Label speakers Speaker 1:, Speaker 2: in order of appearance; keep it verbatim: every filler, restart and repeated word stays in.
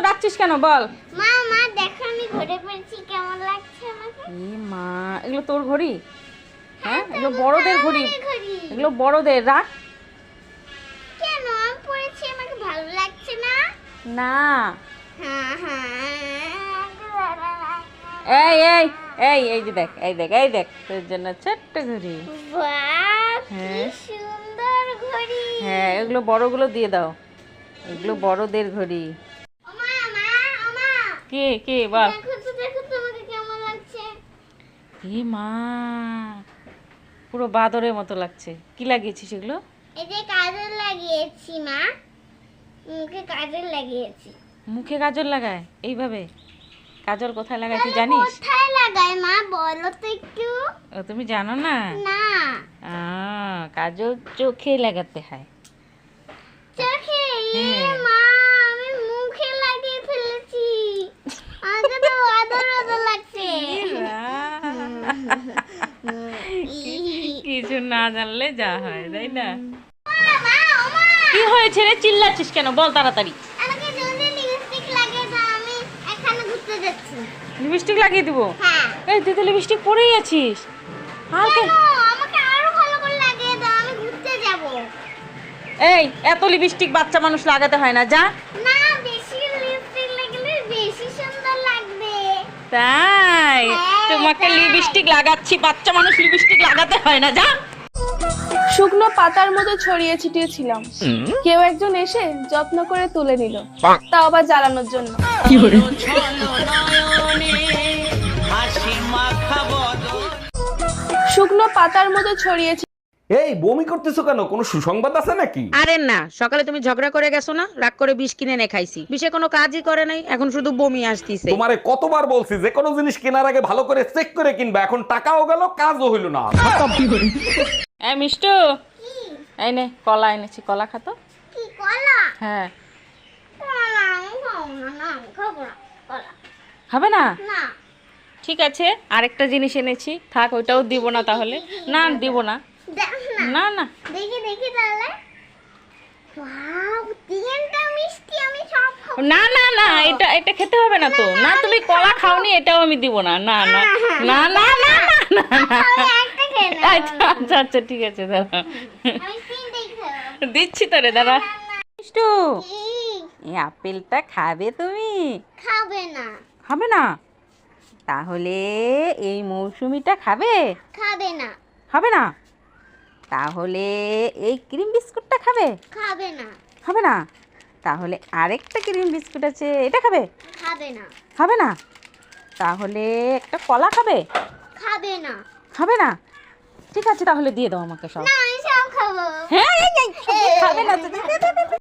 Speaker 1: ডাকছিস কেন বল?
Speaker 2: মা মা দেখো আমি ঘড়ি পরেছি, কেমন লাগছে আমাকে?
Speaker 1: এ মা, এগুলো তোর ঘড়ি? হ্যাঁ,
Speaker 2: তো
Speaker 1: এগুলো
Speaker 2: এটা
Speaker 1: বড়দের
Speaker 2: আমার
Speaker 1: ঘড়ি।
Speaker 2: ঘড়ি।
Speaker 1: এগুলো বড়দের, রাখ।
Speaker 2: কেন আমি পরেছি, আমাকে ভালো লাগছে না?
Speaker 1: না।
Speaker 2: হ্যাঁ হ্যাঁ।
Speaker 1: এই এই এই এই যে দেখ, এই দেখ, এই দেখ, তোর জন্য ছোট্ট ঘড়ি।
Speaker 2: বাহ, কি
Speaker 1: হ্যাঁ।
Speaker 2: সুন্দর ঘড়ি।
Speaker 1: হ্যাঁ, এগুলো বড়গুলো দিয়ে দাও, এগুলো বড়দের ঘড়ি।
Speaker 2: ওমা মা ওমা,
Speaker 1: কে কে বল?
Speaker 2: দেখো তো দেখো তো আমাকে কেমন লাগছে।
Speaker 1: এ মা, পুরো বাদরের মতো লাগছে। কি লাগিয়েছিস এগুলো?
Speaker 2: এই যে কাজল লাগিয়েছি মা, মুখে কাজল লাগিয়েছি।
Speaker 1: মুখে কাজল লাগায় এইভাবে? কাজল কোথায় লাগায় তুই জানিস?
Speaker 2: কোথায় লাগায় মা, বলো তো একটু।
Speaker 1: ও, তুমি জানো না?
Speaker 2: না,
Speaker 1: আহ, কাজল চোখে লাগাতে হয়।
Speaker 2: চোখে? এ
Speaker 1: হ্যাঁ।
Speaker 2: মা, আমি মুখে লাগিয়ে ফেলেছি, আমাকে তো আদর আদর লাগছে।
Speaker 1: কিছু না জানলে যা হয়, তাই না?
Speaker 2: ওমা, মা, ওমা,
Speaker 1: কি হয়েছে রে, চিল্লাচ্ছিস কেন? বল তাড়াতাড়ি।
Speaker 2: আমাকে জলদি লিপস্টিক লাগিয়ে দাও, আমি এখানে ঘুরতে যাচ্ছি।
Speaker 1: লিপস্টিক লাগিয়ে দিব?
Speaker 2: হ্যাঁ।
Speaker 1: এই তুই তো লিপস্টিক পরেই আছিস। আর কে?
Speaker 2: কেন? আমাকে আরো ভালো করে লাগিয়ে দাও, আমি ঘুরতে যাব।
Speaker 1: এই, এত লিপস্টিক বাচ্চা মানুষ লাগাতে হয় না, যা।
Speaker 2: না, বেশি লিপস্টিক লাগালে বেশি সুন্দর লাগবে।
Speaker 1: তাই?
Speaker 2: হ্যাঁ,
Speaker 1: তোমাকে
Speaker 2: তাই।
Speaker 1: লিপস্টিক লাগাচ্ছি, বাচ্চা মানুষ লিপস্টিক লাগাতে হয় না, যা।
Speaker 3: শুকনো পাতার মতো ছড়িয়ে ছিটিয়ে ছিলাম, কেউ একজন এসে যত্ন করে তুলে নিল, তাও আবার জ্বালানোর জন্য। শুকনো পাতার মতো ছড়িয়ে ছি-
Speaker 4: এই বমি করতেছো কেন? কোনো সুসংবাদ আছে নাকি?
Speaker 5: আরে না, সকালে তুমি ঝগড়া করে গেছো না, রাগ করে বিষ কিনে এনে খাইছি, বিষে কোনো কাজই করে নাই, এখন শুধু বমি আসতিছে।
Speaker 4: তোমারে কতবার বলছি যে কোনো জিনিস কেনার আগে ভালো করে চেক করে কিনবা, এখন টাকাও গেল কাজও হইল না।
Speaker 1: এই মিষ্টু, এই নে কলা এনেছি, কলা খাতো।
Speaker 2: কি কলা?
Speaker 1: হ্যাঁ।
Speaker 2: কলা আমি খাবো না, না আমি খাবো না কলা।
Speaker 1: হবে না?
Speaker 2: না।
Speaker 1: ঠিক আছে, আরেকটা জিনিস এনেছি, থাক, ওইটাও দিব না তাহলে। না, দিব না।
Speaker 2: দেখ না।
Speaker 1: না না।
Speaker 2: দেখি দেখি তাহলে। ওয়াও, তিনটা মিষ্টি, আমি সব খাবো।
Speaker 1: না না না, এটা এটা খেতে হবে না তো। না, তুমি কলা খাওনি, এটাও আমি দিব না। না না না না না না না।
Speaker 2: আমি একটা খেয়ে নেবো।
Speaker 1: আচ্ছা আচ্ছা আচ্ছা, ঠিক আছে, দাঁড়া,
Speaker 2: আমি তিনটেই খাবো।
Speaker 1: দিচ্ছি তো রে, দাঁড়া। মিষ্টু,
Speaker 2: কি?
Speaker 1: এই আপেলটা খাবে তুমি?
Speaker 2: খাবে না।
Speaker 1: খাবে না? তাহলে এই মৌসুমিটা খাবে?
Speaker 2: খাবে না।
Speaker 1: খাবে না? তাহলে এই ক্রিম বিস্কুটটা খাবে?
Speaker 2: খাবে না।
Speaker 1: খাবে না? তাহলে আরেকটা ক্রিম বিস্কুট আছে, এটা খাবে?
Speaker 2: খাবে না।
Speaker 1: খাবে না? তাহলে একটা কলা খাবে?
Speaker 2: খাবে না।
Speaker 1: খাবে না? ঠিক আছে, তাহলে দিয়ে দাও আমাকে সব।
Speaker 2: না, আমি সব খাবো।
Speaker 1: হ্যাঁ, এই, এই, খাবে না তো?